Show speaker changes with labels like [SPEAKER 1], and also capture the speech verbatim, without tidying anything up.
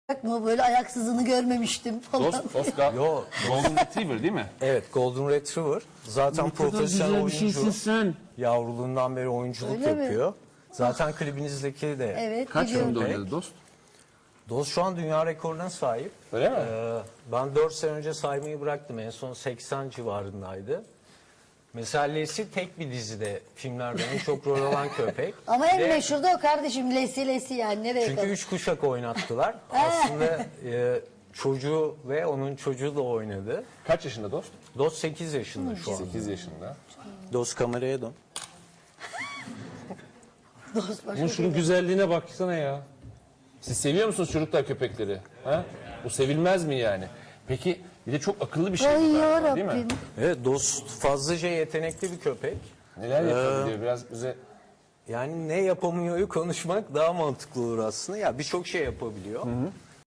[SPEAKER 1] mı? Böyle ayaksızını görmemiştim falan.
[SPEAKER 2] Dost, dost ga-
[SPEAKER 3] Yo,
[SPEAKER 2] Golden Retriever değil mi?
[SPEAKER 3] evet, Golden Retriever. Zaten
[SPEAKER 4] Ne kadar
[SPEAKER 3] profesyonel
[SPEAKER 4] güzel bir şeysin
[SPEAKER 3] oyuncu.
[SPEAKER 4] sen.
[SPEAKER 3] Yavruluğundan beri oyunculuk
[SPEAKER 1] Öyle mi?
[SPEAKER 3] yapıyor. Zaten klibinizdeki de.
[SPEAKER 1] Evet,
[SPEAKER 2] Kaç
[SPEAKER 1] biliyorum.
[SPEAKER 2] filmde oynadı Dost?
[SPEAKER 3] Dost şu an dünya rekoruna sahip.
[SPEAKER 2] Öyle mi?
[SPEAKER 3] Ee, ben dört sene önce saymayı bıraktım. En son seksen civarındaydı. Mesela Leslie tek bir dizide filmlerde en çok rol alan köpek.
[SPEAKER 1] Ama en
[SPEAKER 3] Ve-
[SPEAKER 1] meşhur da o kardeşim. Lesi Lesi yani. Nereye
[SPEAKER 3] Çünkü
[SPEAKER 1] kadar?
[SPEAKER 3] üç kuşak oynattılar. Aslında e, çocuğu ve onun çocuğu da oynadı.
[SPEAKER 2] Kaç yaşında Dost?
[SPEAKER 3] Dost sekiz yaşında şu an.
[SPEAKER 2] sekiz yaşında.
[SPEAKER 3] Dost kameraya dön.
[SPEAKER 1] Dost başka
[SPEAKER 4] Ama
[SPEAKER 1] şey
[SPEAKER 4] şunun
[SPEAKER 1] değil.
[SPEAKER 4] güzelliğine baksana ya.
[SPEAKER 2] Siz seviyor musunuz çocuklar köpekleri? Ha? Bu sevilmez mi yani? Peki bir de çok akıllı bir şey
[SPEAKER 1] Ay
[SPEAKER 2] bu galiba, değil mi?
[SPEAKER 1] yarabbim.
[SPEAKER 3] Evet, Dost fazlaca yetenekli bir köpek.
[SPEAKER 2] Neler yapabiliyor biraz bize...
[SPEAKER 3] Yani ne yapamıyor'yu konuşmak daha mantıklı olur aslında. Ya birçok şey yapabiliyor.